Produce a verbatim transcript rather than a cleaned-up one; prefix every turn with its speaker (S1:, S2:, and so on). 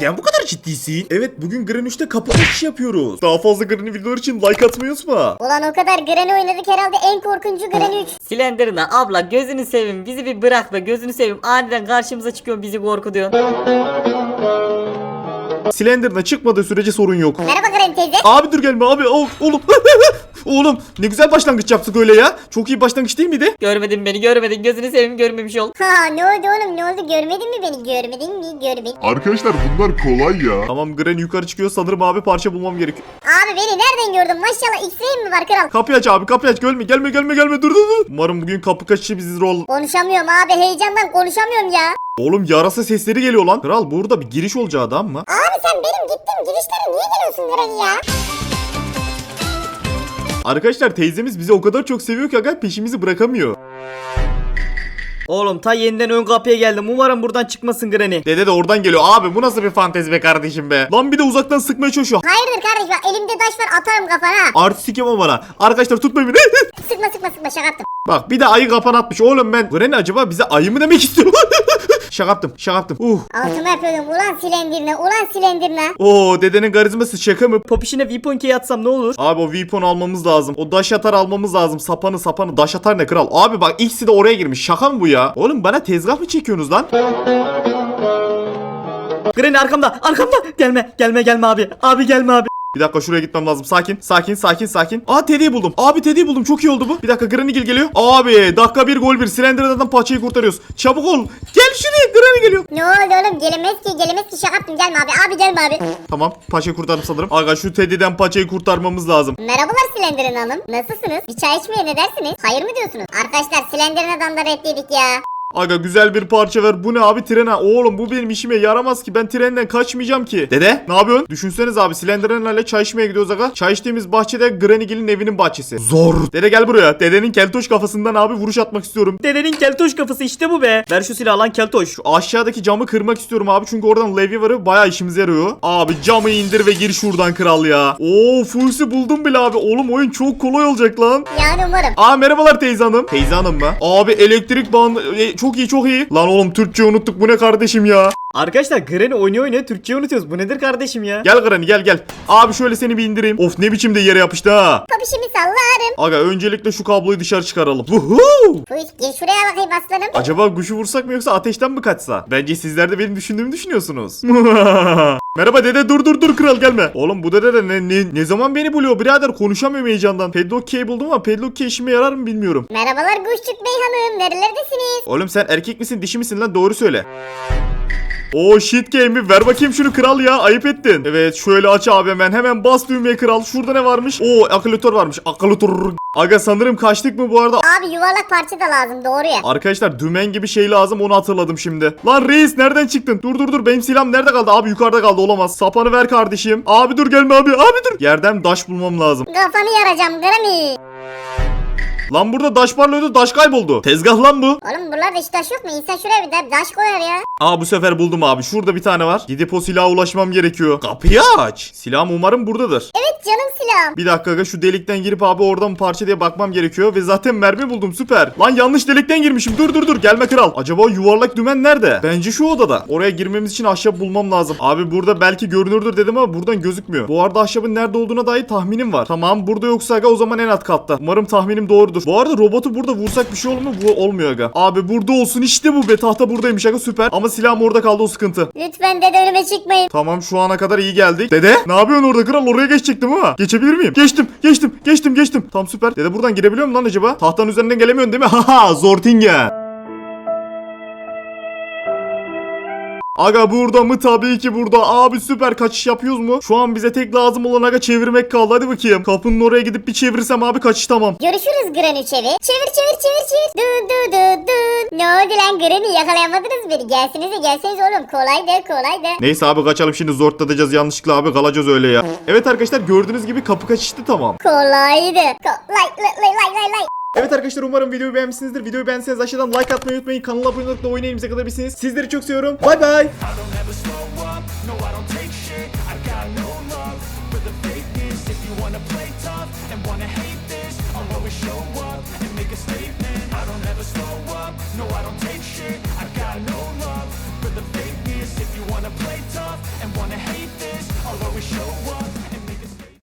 S1: Neden bu kadar ciddisin? Evet, bugün Gren üçte kapı açış yapıyoruz. Daha fazla Gren videolar için like atmayı unutma.
S2: Ulan o kadar Granny oynadık, herhalde en korkuncu Granny üç.
S3: Slender'ına abla gözünü seveyim, bizi bir bırak be, gözünü seveyim. Aniden karşımıza çıkıyor, bizi korkutuyorsun.
S1: Slender'ına çıkmadığı sürece sorun yok.
S2: Merhaba Granny teyze.
S1: Abi dur gelme abi. Oh, oğlum. Oğlum ne güzel başlangıç yaptık öyle ya. Çok iyi başlangıç değil miydi?
S3: Görmedin beni, görmedin, gözünü seveyim, görmemiş ol.
S2: Ha ne oldu oğlum, ne oldu, görmedin mi beni, görmedin mi, görmedin.
S4: Arkadaşlar bunlar kolay ya.
S1: Tamam, Gren yukarı çıkıyor, sanırım abi parça bulmam gerekiyor.
S2: Abi beni nereden gördün, maşallah X-Ray mi var kral?
S1: Kapıyı aç abi, kapıyı aç, gelme gelme gelme gelme, dur dur dur. Umarım bugün kapı kaçışı bizi rol.
S2: Konuşamıyorum abi, heyecandan konuşamıyorum ya.
S1: Oğlum yarasa sesleri geliyor lan. Kral burada bir giriş olacağı adam mı?
S2: Abi sen benim gittiğim girişlere niye geliyorsun Granny ya?
S1: Arkadaşlar teyzemiz bizi o kadar çok seviyor ki aga peşimizi bırakamıyor.
S3: Oğlum ta yeniden ön kapıya geldim, umarım buradan çıkmasın Granny.
S1: Dede de oradan geliyor. Abi bu nasıl bir fantezi be kardeşim be. Lan bir de uzaktan sıkmaya çalışıyor.
S2: Hayırdır kardeş, bak elimde taş var, atarım kafana.
S1: Artistik yapma bana. Arkadaşlar tutmayın beni.
S2: Sıkma sıkma sıkma, şaka yaptım.
S1: Bak bir de ayı kapan atmış. Oğlum ben Granny acaba bize ayı mı demek istiyor? Şaka yaptım, şaka yaptım. Uh.
S2: Altıma yapıyordum, ulan silendirine, ulan silendirine.
S1: Oo, dedenin karizması şaka mı?
S3: Popişine weapon key atsam ne olur?
S1: Abi o weapon almamız lazım. O daş atar almamız lazım. Sapanı sapanı. Daş atar ne kral? Abi bak ikisi de oraya girmiş. Şaka mı bu ya? Oğlum bana tezgah mı çekiyorsunuz lan?
S3: Granny arkamda, arkamda. Gelme, gelme, gelme abi. Abi gelme abi.
S1: Bir dakika şuraya gitmem lazım. Sakin, sakin, sakin, sakin. Aa Teddy'yi buldum. Abi Teddy'yi buldum. Çok iyi oldu bu. Bir dakika Granny Gil geliyor. Abi dakika bir gol bir. Slender'dan paçayı kurtarıyoruz. Çabuk ol. Gel şuraya. Granny geliyor.
S2: Ne oldu oğlum, gelemez ki gelemez ki, şaka yaptım, gelme abi, abi gelme abi.
S1: Tamam. Paçayı kurtardım sanırım. Aga şu Teddy'den paçayı kurtarmamız lazım.
S2: Merhabalar Slender'in hanım, nasılsınız? Bir çay içmeye ne dersiniz? Hayır mı diyorsunuz? Arkadaşlar Slender'in adamda reddiydik ya.
S1: Aga güzel bir parça ver. Bu ne abi, trene? Oğlum bu benim işime yaramaz ki. Ben trenden kaçmayacağım ki. Dede ne yapıyorsun? Düşünseniz abi Slenderman'le çay içmeye gidiyoruz aga. Çay içtiğimiz bahçede Granny Gil'in evinin bahçesi. Zor. Dede gel buraya. Dedenin keltoş kafasından abi vuruş atmak istiyorum.
S3: Dedenin keltoş kafası işte bu be. Ver şu silahı lan keltoş.
S1: Şu aşağıdaki camı kırmak istiyorum abi. Çünkü oradan levye var. Bayağı işimize yarıyor. Abi camı indir ve gir şuradan kral ya. Oo Fuls'ü buldum bile abi. Oğlum oyun çok kolay olacak lan.
S2: Yani umarım.
S1: Aa merhabalar teyze hanım. Teyze hanım mı? Abi elektrik bağını... E, çok iyi çok iyi. Lan oğlum Türkçe unuttuk. Bu ne kardeşim ya?
S3: Arkadaşlar Granny oynuyor oynuyor Türkçeyi unutuyoruz. Bu nedir kardeşim ya?
S1: Gel Granny gel gel. Abi şöyle seni bir indireyim. Of ne biçim de yere yapıştı ha.
S2: Popişimi sallarım.
S1: Aga öncelikle şu kabloyu dışarı çıkaralım. Vuhuu.
S2: Fuş gel şuraya bakayım aslanım.
S1: Acaba kuşu vursak mı yoksa ateşten mi kaçsa? Bence sizler de benim düşündüğümü düşünüyorsunuz. Merhaba dede, dur dur dur kral gelme. Oğlum bu dede de ne, ne, ne zaman beni buluyor birader, konuşamıyorum heyecandan. Padlock key buldum ama padlock key işime yarar mı bilmiyorum.
S2: Merhabalar Kuşçuk Bey hanım, nerelerdesiniz?
S1: Oğlum sen erkek misin dişi misin lan, doğru söyle. Oo shit game'i ver bakayım şunu kral ya, ayıp ettin. Evet şöyle aç abi, hemen hemen bas düğmeye kral. Şurada ne varmış? Oo akülatör varmış, akülatör. Aga sanırım kaçtık mı bu arada?
S2: Abi yuvarlak parça da lazım, doğru ya.
S1: Arkadaşlar dümen gibi şey lazım, onu hatırladım şimdi. Lan reis nereden çıktın? Dur dur dur, benim silahım nerede kaldı? Abi yukarıda kaldı, olamaz. Sapanı ver kardeşim. Abi dur gelme abi, abi dur. Yerden daş bulmam lazım.
S2: Kafanı yaracağım Granny.
S1: Lan burada daş parlıyordu, daş kayboldu. Tezgah lan bu.
S2: Oğlum buralarda hiç taş yok mu? İnsan şuraya bir de taş koyar ya.
S1: Aa bu sefer buldum abi. Şurada bir tane var. Gidip o silaha ulaşmam gerekiyor. Kapıyı aç. Silahım umarım buradadır.
S2: Evet canım silahım.
S1: Bir dakika aga, şu delikten girip abi oradan mı parça diye bakmam gerekiyor. Ve zaten mermi buldum, süper. Lan yanlış delikten girmişim. Dur dur dur, gelme kral. Acaba yuvarlak dümen nerede? Bence şu odada. Oraya girmemiz için ahşap bulmam lazım. Abi burada belki görünürdür dedim ama buradan gözükmüyor. Bu arada ahşabın nerede olduğuna dair tahminim var. Tamam burada yoksa aga o zaman en alt katta. Umarım tahminim doğrudur. Bu arada robotu burada vursak bir şey olur mu? Bu olmuyor aga. Abi burada olsun işte bu be. Tahta buradaymış aga, süper. Ama silahım orada kaldı, o sıkıntı.
S2: Lütfen dede önüme çıkmayın.
S1: Tamam şu ana kadar iyi geldik. Dede ne yapıyorsun orada kral? Oraya geçecektim ama. Geçebilir miyim? Geçtim geçtim geçtim geçtim. Tam süper. Dede buradan girebiliyor mu lan acaba? Tahtanın üzerinden gelemiyorsun değil mi? Haha Zortingen. Aga burada mı? Tabii ki burada. Abi süper, kaçış yapıyoruz mu? Şu an bize tek lazım olan aga çevirmek kaldı. Hadi bakayım. Kapının oraya gidip bir çevirsem abi kaçış tamam.
S2: Görüşürüz Granny çevir. Çevir çevir çevir çevir. Dın dın dın dın. Ne oldu lan Granny, yakalayamadınız beni. Gelsenize gelseniz oğlum, kolay de kolay de.
S1: Neyse abi kaçalım şimdi, zortlatacağız yanlışlıkla abi, kalacağız öyle ya. Evet arkadaşlar gördüğünüz gibi kapı kaçıştı tamam.
S2: Kolaydı. Kolay lay lay lay lay lay.
S1: Evet arkadaşlar umarım videoyu beğenmişsinizdir. Videoyu beğendiyseniz aşağıdan like atmayı unutmayın. Kanala abone olup da oyun elimize kalabilirsiniz. Sizleri çok seviyorum. Bay bay.
S5: If you wanna play tough and wanna hate